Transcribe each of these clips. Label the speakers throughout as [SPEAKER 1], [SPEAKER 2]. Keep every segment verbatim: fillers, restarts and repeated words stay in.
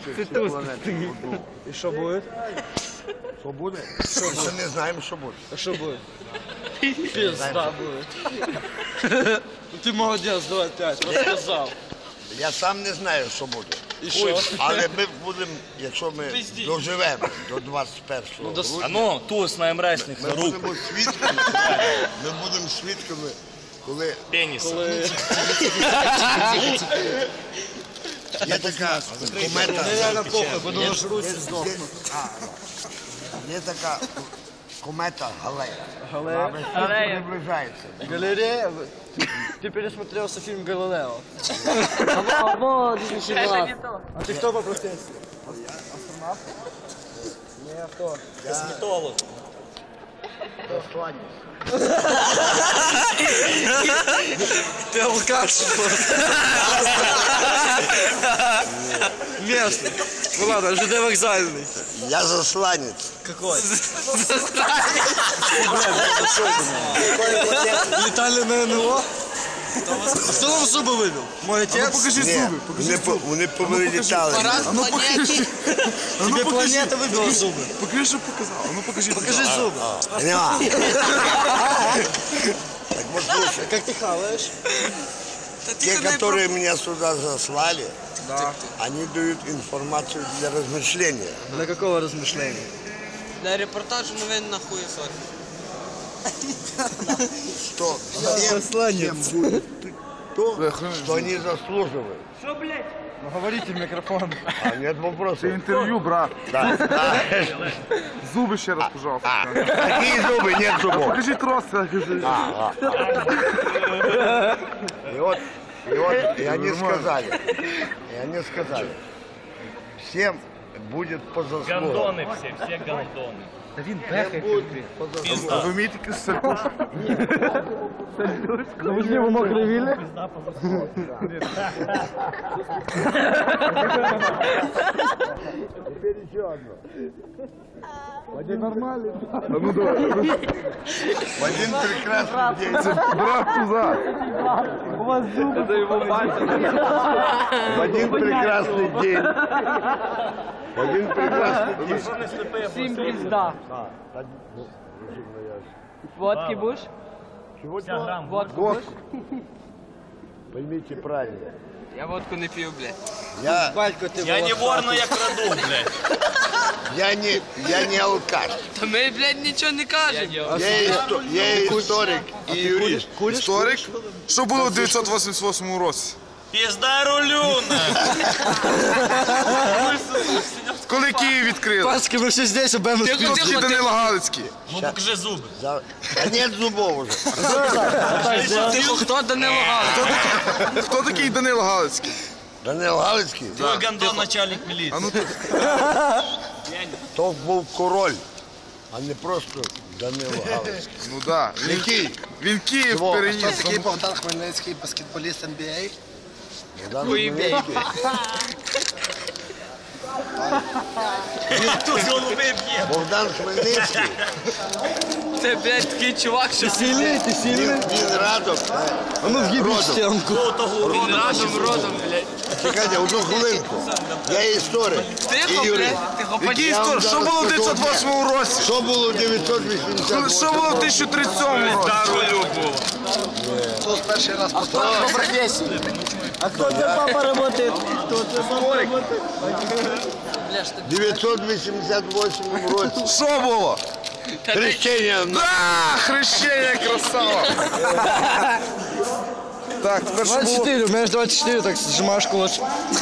[SPEAKER 1] всі планети.
[SPEAKER 2] І що буде?
[SPEAKER 1] Що буде? Ми ще не знаємо, що буде.
[SPEAKER 2] А що буде? Пізда буде. Ти молодець, давай п'ять, розказав.
[SPEAKER 1] Я сам не знаю, що буде.
[SPEAKER 2] І що?
[SPEAKER 1] Але ми будемо, якщо ми доживемо до двадцять першого грудня,
[SPEAKER 3] А ну, туз на МРСних
[SPEAKER 1] ми
[SPEAKER 3] рук.
[SPEAKER 1] будемо свідками, ми будемо свідками, коли
[SPEAKER 3] Пеніса.
[SPEAKER 2] Коли...
[SPEAKER 1] є така комета.
[SPEAKER 2] Нереально похуй, бо думаю, жруть і здохнуть.
[SPEAKER 1] Є така комета Галея.
[SPEAKER 2] Галея?
[SPEAKER 1] Вона приближається.
[SPEAKER 2] Галерея? Ты пересмотрелся фильм «Галилео». Або две тысячи двенадцатый. А ты кто по профессии? Астронавт? Не, а кто?
[SPEAKER 3] Косметолог.
[SPEAKER 2] Ты алкаш. Местный. Ну ладно, ЖД вокзальный.
[SPEAKER 1] Я засланець.
[SPEAKER 2] Какой? Летали на НЛО? А кто вам зубы выбил? Мой отец?
[SPEAKER 4] Покажи
[SPEAKER 1] Ні,
[SPEAKER 4] зуби, покажи
[SPEAKER 1] вони, по- вони повилітали.
[SPEAKER 4] А ну покажи. А ну
[SPEAKER 2] Тебе
[SPEAKER 4] покажи.
[SPEAKER 2] планета выбила зубы.
[SPEAKER 4] Покажи, що показав. А ну покажи.
[SPEAKER 2] Покажи зубы.
[SPEAKER 1] Нема. Так вот слушай,
[SPEAKER 2] Как ты хаваешь?
[SPEAKER 1] те, которые меня сюда заслали, они дают информацию для размышления.
[SPEAKER 2] Для какого размышления?
[SPEAKER 5] Для репортажу новин на хуесоте.
[SPEAKER 1] Что всем, всем будет то, что они заслуживают.
[SPEAKER 2] Ну говорите в микрофон.
[SPEAKER 1] А нет вопросов.
[SPEAKER 4] Інтерв'ю, брат.
[SPEAKER 1] Да, да.
[SPEAKER 4] Зуби ще раз, пожалуйста.
[SPEAKER 1] А, какие зубы? Нет зубов.
[SPEAKER 4] Покажи трос, покажи.
[SPEAKER 1] А, а. И вот, и вот, и они сказали, и они сказали, всем будет по заслугам.
[SPEAKER 3] Гандони всі, всі гандони.
[SPEAKER 1] Всем будет по заслугам.
[SPEAKER 4] Ви вмієте якусь сальтушку?
[SPEAKER 2] Ну вы же его мокрые вилли?
[SPEAKER 1] Теперь еще одно.
[SPEAKER 2] Один нормальный.
[SPEAKER 4] А ну давай.
[SPEAKER 1] В один прекрасный день,
[SPEAKER 4] Брат туза.
[SPEAKER 2] У вас зубы. Это его
[SPEAKER 1] в один прекрасный день, в один прекрасный день.
[SPEAKER 5] Всім пізда.
[SPEAKER 1] А, так, ну, розумно, я ж.
[SPEAKER 5] Водки будеш?
[SPEAKER 1] Чего?
[SPEAKER 5] Водку
[SPEAKER 4] Вот.
[SPEAKER 5] будеш?
[SPEAKER 1] Поймите правильно.
[SPEAKER 5] Я водку не п'ю, блядь.
[SPEAKER 1] Я,
[SPEAKER 2] Батько, ты
[SPEAKER 3] Я не вор, но я краду, блядь.
[SPEAKER 1] я, не, я не алкаш.
[SPEAKER 5] Та ми, блядь, нічого не кажемо.
[SPEAKER 1] Я, исто, я историк и юрист.
[SPEAKER 4] Історик. Що було в дев'ятсот вісімдесят восьмому році?
[SPEAKER 3] Пізда рулюна.
[SPEAKER 4] Коли Київ відкрили?
[SPEAKER 2] Пацки, мы все здесь, а БМ
[SPEAKER 5] Тихо,
[SPEAKER 2] спит.
[SPEAKER 4] Чи Данило Галицький?
[SPEAKER 3] Ну покажи зуби.
[SPEAKER 1] За... А нет зубов уже.
[SPEAKER 5] Тихо, хто Данило Галич?
[SPEAKER 4] Хто такий Данило Галицький?
[SPEAKER 1] Данил Галицький,
[SPEAKER 3] Твой гандон начальник міліції.
[SPEAKER 4] А ну
[SPEAKER 1] то був король, а не просто Данило Галицький.
[SPEAKER 4] ну да. Він,
[SPEAKER 1] Який?
[SPEAKER 4] він Київ
[SPEAKER 1] Чого?
[SPEAKER 4] переніс.
[SPEAKER 6] Такий Богдан Хмельницький, баскетболіст ен бі ей.
[SPEAKER 1] Богдан Хмельницький.
[SPEAKER 3] Тут голуби б'є.
[SPEAKER 1] Богдан Хмельницький,
[SPEAKER 5] Це, блядь, такий чувак, що
[SPEAKER 2] Сильный, ты
[SPEAKER 1] він,
[SPEAKER 2] сильный?
[SPEAKER 1] він радом.
[SPEAKER 2] А ну въеби в
[SPEAKER 1] Родом.
[SPEAKER 2] стенку.
[SPEAKER 5] він разом родом, блядь.
[SPEAKER 1] Чекайте, одну хвилинку. Я історик
[SPEAKER 5] Тихо,
[SPEAKER 1] і юрист.
[SPEAKER 5] блядь, тихо,
[SPEAKER 4] Який
[SPEAKER 1] Я вам
[SPEAKER 4] історик? Що
[SPEAKER 1] зараз
[SPEAKER 4] було в
[SPEAKER 1] скажу
[SPEAKER 4] дев'ятсот восьмому році?
[SPEAKER 1] Що було в дев'ятсот вісімдесят восьмому?
[SPEAKER 4] Що було в тисяча тридцять сьомому році?
[SPEAKER 3] Пізда рулю було.
[SPEAKER 6] Хто перший раз поставив по професії?
[SPEAKER 2] А кто у тебя папа работает? Кто у тебя папа работает?
[SPEAKER 1] В дев'ятсот вісімдесят восьмому році.
[SPEAKER 4] Що було?
[SPEAKER 1] Хрещення на
[SPEAKER 4] А, хрещення, красава. Так, тепер що
[SPEAKER 2] двадцать
[SPEAKER 4] було?
[SPEAKER 2] четыре, у меня же двадцать четыре, так сжимаешь кулачок.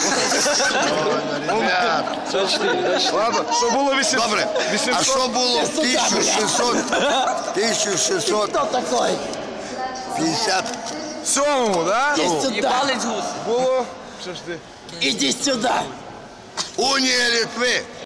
[SPEAKER 1] ребят.
[SPEAKER 2] двадцать четыре, двадцать четыре.
[SPEAKER 4] Ладно, що було вісімсот?
[SPEAKER 1] Добре, а
[SPEAKER 4] вісімсот?
[SPEAKER 1] що було в тисяча шістсот тисяча шістсот п'ятдесят
[SPEAKER 4] Сьомому, да?
[SPEAKER 5] Їбалець гус.
[SPEAKER 4] Було. Що ж ти?
[SPEAKER 6] Іди сюди.
[SPEAKER 1] Унія Литви?